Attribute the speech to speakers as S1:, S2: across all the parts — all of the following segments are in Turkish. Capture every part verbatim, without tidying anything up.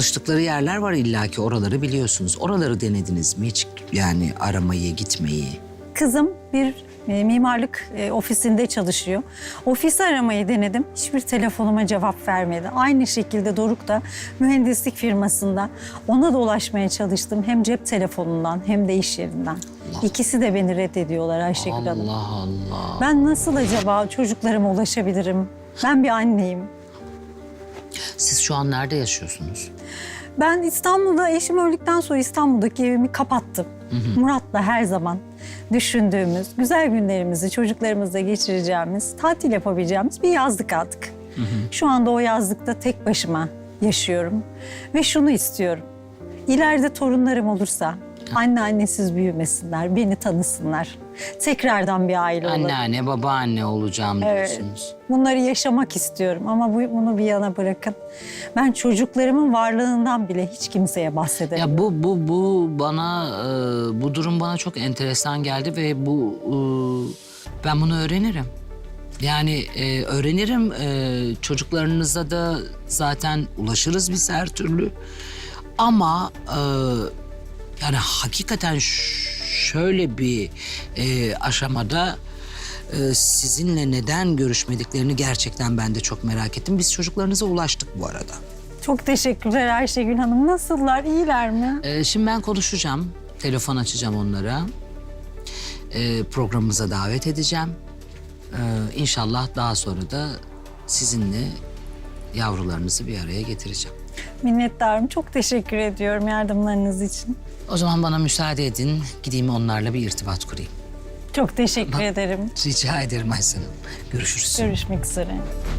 S1: Çalıştıkları yerler var illaki, oraları biliyorsunuz. Oraları denediniz mi hiç, yani aramayı, gitmeyi?
S2: Kızım bir e, mimarlık e, ofisinde çalışıyor. Ofisi aramayı denedim. Hiçbir telefonuma cevap vermedi. Aynı şekilde Doruk da mühendislik firmasında. Ona da ulaşmaya çalıştım. Hem cep telefonundan hem de iş yerinden.
S1: Allah.
S2: İkisi de beni reddediyorlar Ayşegül Hanım.
S1: Allah Allah.
S2: Ben nasıl acaba çocuklarıma ulaşabilirim? Ben bir anneyim.
S1: Siz şu an nerede yaşıyorsunuz?
S2: Ben İstanbul'da, eşim öldükten sonra İstanbul'daki evimi kapattım. Hı hı. Murat'la her zaman düşündüğümüz, güzel günlerimizi çocuklarımızla geçireceğimiz, tatil yapabileceğimiz bir yazlık aldık. Hı hı. Şu anda o yazlıkta tek başıma yaşıyorum. Ve şunu istiyorum. İleride torunlarım olursa anne annesiz büyümesinler, beni tanısınlar. Tekrardan bir aile olalım.
S1: Anneanne, babaanne olacağım diyorsunuz.
S2: Evet. Bunları yaşamak istiyorum ama bu, bunu bir yana bırakın. Ben çocuklarımın varlığından bile hiç kimseye bahsedemiyorum.
S1: Ya bu bu bu bana e, bu durum bana çok enteresan geldi ve bu e, ben bunu öğrenirim. Yani e, öğrenirim. E, çocuklarınıza da zaten ulaşırız biz her türlü. Ama e, yani hakikaten şöyle bir e, aşamada e, sizinle neden görüşmediklerini gerçekten ben de çok merak ettim. Biz çocuklarınıza ulaştık bu arada.
S2: Çok teşekkürler Ayşegül Hanım. Nasıllar, iyiler mi?
S1: E, şimdi ben konuşacağım. Telefon açacağım onlara. E, programımıza davet edeceğim. E, İnşallah daha sonra da sizinle yavrularınızı bir araya getireceğim.
S2: Minnettarım. Çok teşekkür ediyorum yardımlarınız için.
S1: O zaman bana müsaade edin. Gideyim onlarla bir irtibat kurayım.
S2: Çok teşekkür
S1: Bak,
S2: ederim.
S1: Rica ederim Aysel Hanım. Görüşürüz.
S2: Görüşmek üzere.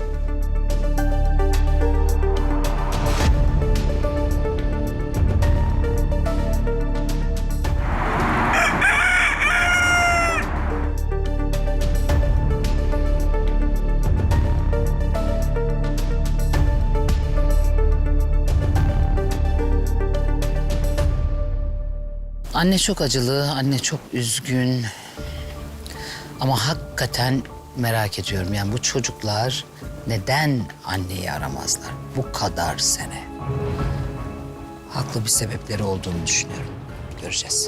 S1: Anne çok acılı, anne çok üzgün. Ama hakikaten merak ediyorum. Yani bu çocuklar neden anneyi aramazlar bu kadar sene? Haklı bir sebepleri olduğunu düşünüyorum. Göreceğiz.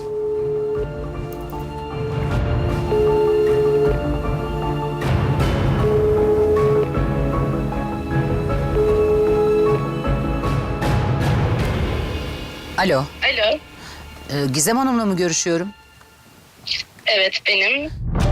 S1: Alo.
S3: Alo.
S1: Ee, Gizem Hanım'la mı görüşüyorum?
S3: Evet, benim.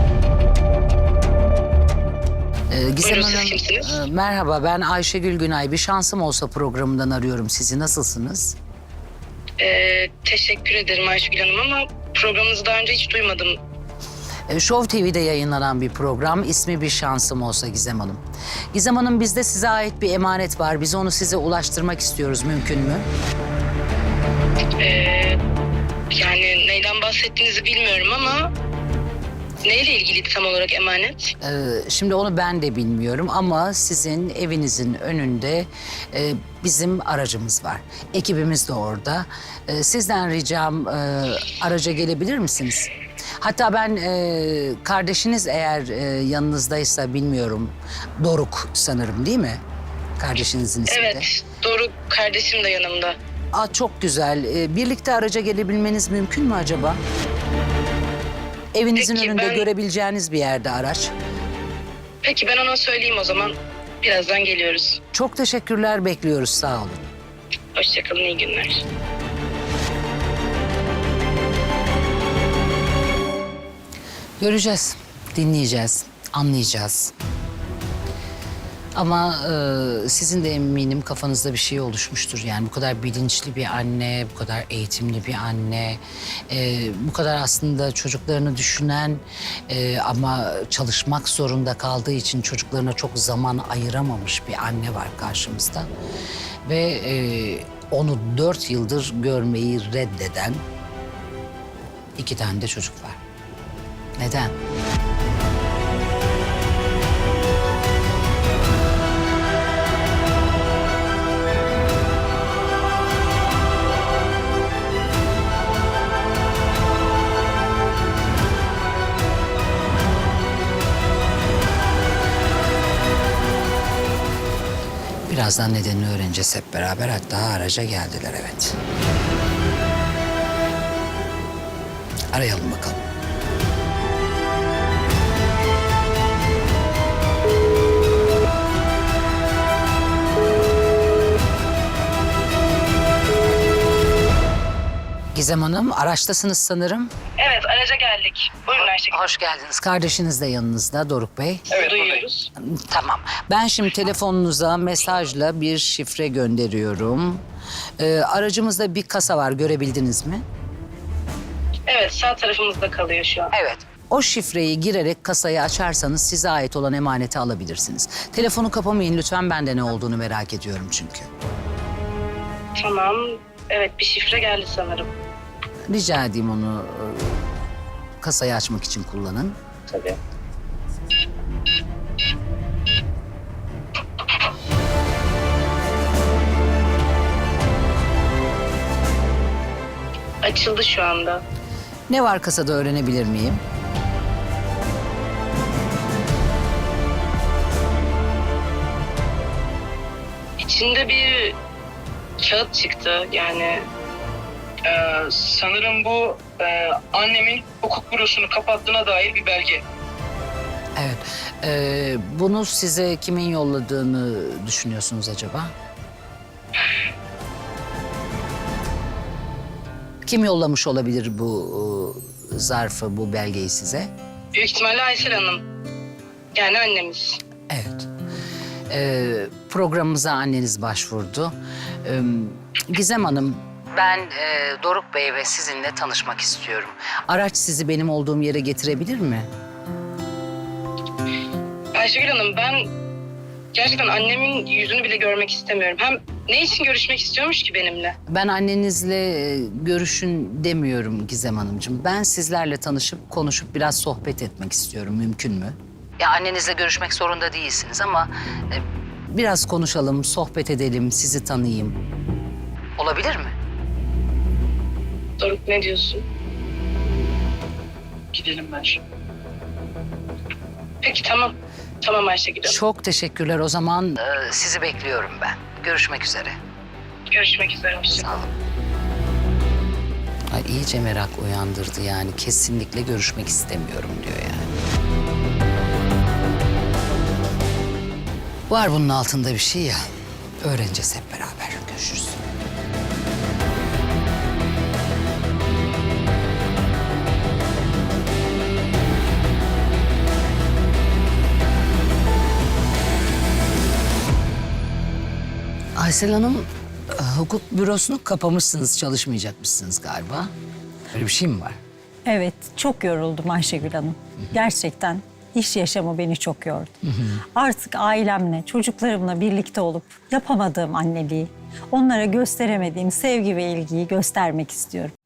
S1: Ee, Gizem
S3: Buyurun, siz
S1: Hanım,
S3: kimsiniz?
S1: e, merhaba, ben Ayşegül Günay. Bir şansım olsa programından arıyorum sizi. Nasılsınız?
S3: Ee, teşekkür ederim Ayşegül Hanım ama programınızı daha önce hiç duymadım.
S1: E, Show T V'de yayınlanan bir program. İsmi Bir Şansım Olsa Gizem Hanım. Gizem Hanım, bizde size ait bir emanet var. Biz onu size ulaştırmak istiyoruz. Mümkün mü?
S3: Ee, yani neyden bahsettiğinizi bilmiyorum ama... Neyle ilgili tam olarak emanet?
S1: Ee, şimdi onu ben de bilmiyorum ama sizin evinizin önünde e, bizim aracımız var. Ekibimiz de orada. Ee, sizden ricam e, araca gelebilir misiniz? Hatta ben e, kardeşiniz eğer e, yanınızdaysa bilmiyorum. Doruk sanırım, değil mi? Kardeşinizin ismi de.
S3: Evet, Doruk kardeşim de yanımda.
S1: Aa, çok güzel. Ee, birlikte araca gelebilmeniz mümkün mü acaba? Evinizin
S3: Peki,
S1: önünde
S3: ben-
S1: görebileceğiniz bir yerde araç.
S3: Peki ben ona söyleyeyim o zaman. Birazdan geliyoruz.
S1: Çok teşekkürler, bekliyoruz. Sağ olun.
S3: Hoşçakalın, iyi günler.
S1: Göreceğiz, dinleyeceğiz, anlayacağız. Ama e, sizin de eminim kafanızda bir şey oluşmuştur. Yani bu kadar bilinçli bir anne, bu kadar eğitimli bir anne, e, bu kadar aslında çocuklarını düşünen e, ama çalışmak zorunda kaldığı için çocuklarına çok zaman ayıramamış bir anne var karşımızda. Ve e, onu dört yıldır görmeyi reddeden iki tane de çocuk var. Neden? Biraz Birazdan nedenini öğreneceğiz hep beraber. Hatta araca geldiler, evet. Arayalım bakalım. Gizem Hanım, araçtasınız sanırım.
S3: Evet, araca geldik. Buyurun Ayşegül.
S1: Hoş geldiniz. Kardeşiniz de yanınızda, Doruk Bey.
S3: Evet, duyuyoruz.
S1: Tamam. Ben şimdi telefonunuza mesajla bir şifre gönderiyorum. Ee, aracımızda bir kasa var, görebildiniz mi?
S3: Evet, sağ tarafımızda kalıyor şu an.
S1: Evet. O şifreyi girerek kasayı açarsanız size ait olan emaneti alabilirsiniz. Telefonu kapamayın lütfen, ben de ne olduğunu merak ediyorum çünkü.
S3: Tamam. Evet, bir şifre geldi sanırım.
S1: Rica edeyim onu e, kasayı açmak için kullanın.
S3: Tabii. Açıldı şu anda.
S1: Ne var kasada öğrenebilir miyim?
S3: İçinde bir kağıt çıktı yani.
S4: Ee, sanırım bu e, annemin hukuk bürosunu kapattığına dair bir belge.
S1: Evet. Ee, bunu size kimin yolladığını düşünüyorsunuz acaba? Kim yollamış olabilir bu e, zarfı, bu belgeyi size?
S3: Büyük ihtimalle Aysel Hanım. Yani annemiz.
S1: Evet. Ee, programımıza anneniz başvurdu. Ee, Gizem Hanım, ben e, Doruk Bey ve sizinle tanışmak istiyorum. Araç sizi benim olduğum yere getirebilir mi?
S3: Ayşegül Hanım, ben gerçekten annemin yüzünü bile görmek istemiyorum. Hem ne için görüşmek istiyormuş ki benimle?
S1: Ben annenizle e, görüşün demiyorum Gizem Hanımcığım. Ben sizlerle tanışıp konuşup biraz sohbet etmek istiyorum. Mümkün mü? Ya annenizle görüşmek zorunda değilsiniz ama e, biraz konuşalım, sohbet edelim, sizi tanıyayım. Olabilir mi?
S3: Doruk, ne diyorsun?
S4: Gidelim ben şimdi.
S3: Peki, tamam. Tamam Ayşegül Hanım.
S1: Çok teşekkürler. O zaman e, sizi bekliyorum ben. Görüşmek üzere.
S3: Görüşmek üzere. Hoşça
S1: Sağ olun. Ay, iyice merak uyandırdı yani. Kesinlikle görüşmek istemiyorum diyor yani. Var bunun altında bir şey ya. Öğreneceğiz hep beraber. Görüşürüz. Aysel Hanım, e, hukuk bürosunu kapamışsınız, çalışmayacakmışsınız galiba. Öyle bir şey mi var?
S2: Evet, çok yoruldum Ayşegül Hanım. Gerçekten iş yaşamı beni çok yordu. Artık ailemle, çocuklarımla birlikte olup yapamadığım anneliği, onlara gösteremediğim sevgi ve ilgiyi göstermek istiyorum.